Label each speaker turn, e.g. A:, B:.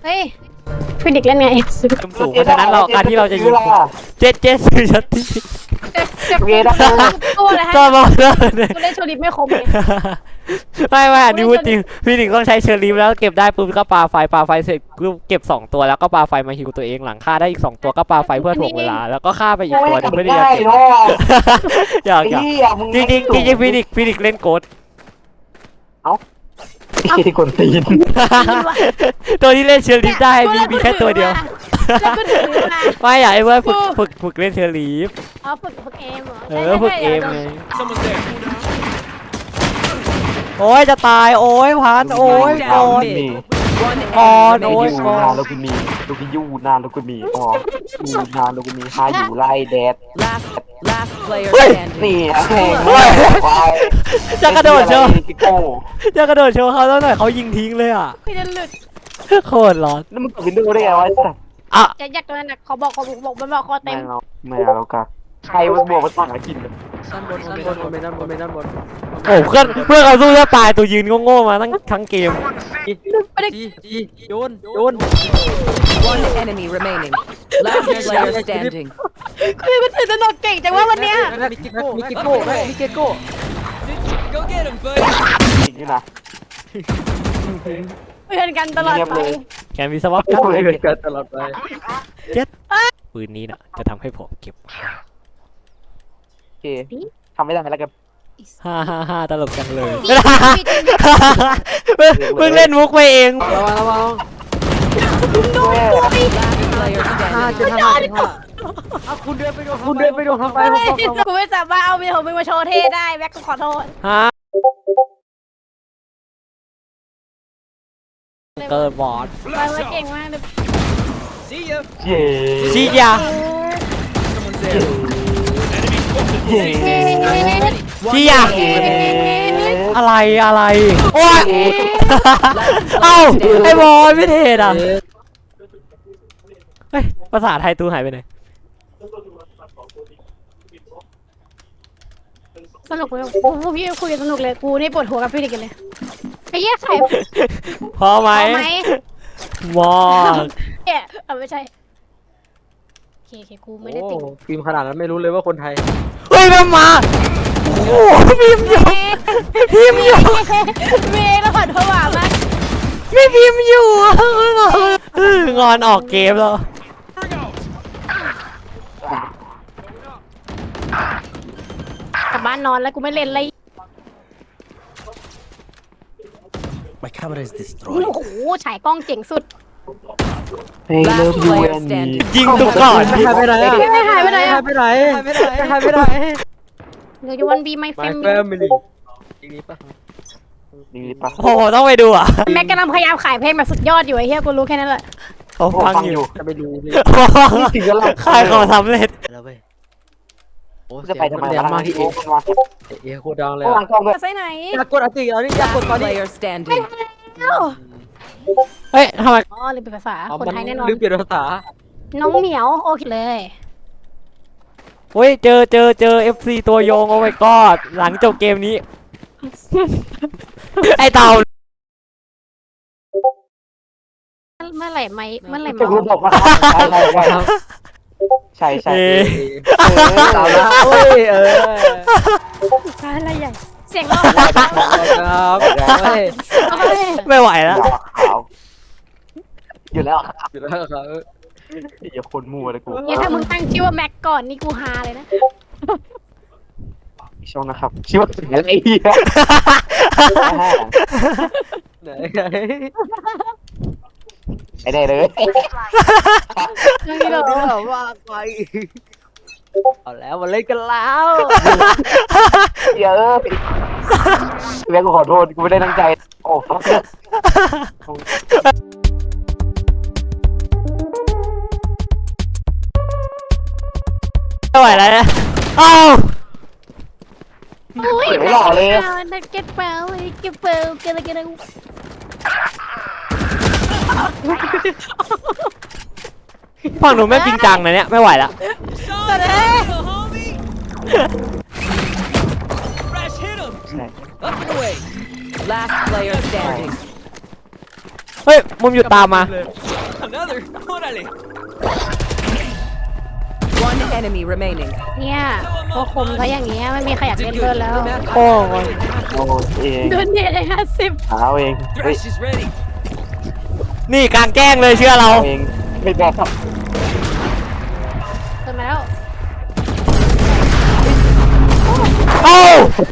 A: เฮ้ยฟินิกเล่นไง
B: สูงเพราะฉะนั้นการที่เราจะยิงเจ็ดสื่อชัดที่
A: เกได้ตัวอะไรให้
B: ก็บอกเลย
A: กูเล่นโชลิปไม่คมเลย
B: ไม่อันนี้พูดจริงพี่หนิงต้องใช้เชอร์ลีฟแล้วเก็บได้ปุ๊บก็ปาไฟเสร็จก็เก็บ2ตัวแล้วก็ปาไฟมาฮิวตัวเองหลังฆ่าได้อีก2ตัวก็ปาไฟเพื่อถ่วงเวลาแล้วก็ฆ่าไปอีกตัวนึงเพื่อที่จะเก็บอยากจริงฟินิกเล่นโกด
C: ที่คนตีน
B: ตัวที่เล่นเชอร์ลีฟได้มีแค่ตัวเดียวไม่อยากให้เพื่อนฝึกเล่นเชอร์ลีฟ
A: ฝึกเอมเหรอ
B: ฝึกเอมไงโอ้ยจะตายโอ้ยพันโอ้ยก่อนโอ้ยก่อน
C: แล้วกูมีลูกยูนานแล้วกูมีอ๋อยูนานแล้วกูมีหาอยู่ไล่แดดนี่แข่ง
B: จะกระโดดโชว์จะกระโดดโชว์เขาแล้วหน่อยเขายิงทิ้งเลยอ่ะ
A: พี่จะหลุด
B: โคตรร้อน
C: แล้วมึงกดวินโดว์ได้ไงวะ
A: จะยักตัวนั้นเขาบอกมันบอกคอเต็ม
C: ไม่เอาแล้วกันใครมันบวกมันต่างกินเลย
B: ด้านบนโอ้เพื่อนเขาสู้จะตายตัวยืนโง่มาทั้งเกมโยน
D: One enemy remaining. Last player standing.
A: คือมันถือสนุกเก่งจังว่าวันเนี้ย
B: มีเกโก้
D: Go get him, buddy.
C: นี่นะ
A: เพื่อนกันตลอดไป
B: แกมีสวัสดิ์
C: เพื่อนกันตลอดไป
B: เจ็ดปืนนี้นะจะทำให้ผมเก็บ
C: โอเคทำไม่ได้แล้วกัน
B: ฮ่าตลกจังเลยเพิ่งเล่นมุกไปเองระวังคุณเดินไปโดนทำไม
A: กูไม่สามารถเอาวิดีโอมึงมาโชว์เท่ได้แบ็คกูขอโทษ
B: เกิดบอส
A: มาเก่งมากเลย
B: ซียาพี่อยากอะไรโอ้ยเอ้าไอ้บอลไม่เทศอ่ะเฮ้ยภาษาไทยตู้หายไปไหน
A: สนุกเลยโอ้พี่คุยกันสนุกเลยกูนี่ปวดหัวกับพี่ดิกันเลยไอ้เหี้ยใคร
B: พอไหมมอง
A: ไม่ใช่เคกูไม่ได้ติด
B: ฟิล์มขนาดนั้นไม่รู้เลยว่าคนไทยเฮ้ยมันมาโอ้พิมพ์อยู่
A: เมย์แล้วผ่านผวามาก
B: ไม่พิมพ์อยู่งอนออกเกมแล้ว
A: กลับบ้านนอนแล้วกูไม่เล่นเลยโอ้โหฉายกล้องเจ๋งสุด
B: ยิงตุกก่อน
A: หายไปไหนเดี๋ยวจะวันบีไมแฟมิลี่
B: โอ้โหต้องไปดูอ่ะ
A: แม็กกำลังพยายามขายเพลงแบบสุดยอดอยู่ไอ้เหี้ยกูรู้แค่นั้นแหละ
B: เขาฟังอยู่
C: จะไปดู
B: ขายของสำเร็จ
C: จะไปทำไมมาที่
B: เอโคดังเลย
A: ไปไหน
B: อยากกดอติแล้วนี่อยากกดตอนนี้
A: เฮ้ยทำไมอ๋อลืมเปลี่ยนภาษาคนไทยแน่นอน
B: ลืมเปลี่ยนภาษา
A: น้องเหมียวโอเคเลย
B: เฮ้ยเจอ FC ตัวโยงโอ้ my กอดหลังจบเกมนี้ไอเต่า
A: เมื่อไหร่มา
C: ใช่
B: เต่าละเฮ้ย
A: อะไรใหญ่เสียงร้อง
B: ครับไม่ไหวแล้ว
C: อยู่แล้วครับอย่าคนมัวเลยกู
A: เนี่ยถ้ามึงตั้งชื่อว่าแม็กก่อนนี่กูฮาเลยนะ
C: ช่องนะครับชื่อว่าอะไรไอ้ได้เลย
A: นี่เหรอ
B: ว่าไปเอาแล้วมาเล่นกันแล้ว
C: เยอะแม่กูขอโทษกูไม่ได้ตั้งใจโอ้ฟัก
B: ไม่ไหวแล้วนะอ้าว
C: ไม่หล่อเลย
A: นักเก็ตเปล่ากัน
B: ฝั่งหนูไม่จริงจังนะเนี่ยไม่ไหวแล้วเฮ้ยมุมหยุดตามมา
D: Dale. One enemy remaining.
A: เนี่ยพวกคมเขาอย่างเงี้ยไม่มีใครอยากเล่นด้วยแล้ว
B: โอ้ย
C: โอ้เอง
A: โดนเนทได้50
C: เอาเองเฮ้ย
D: Thresh is ready.
B: นี่กลางแกล้งเลยเชื่อเรา
C: เอาเองไม่บอก
A: เติมมาแล้ว
B: เอ้า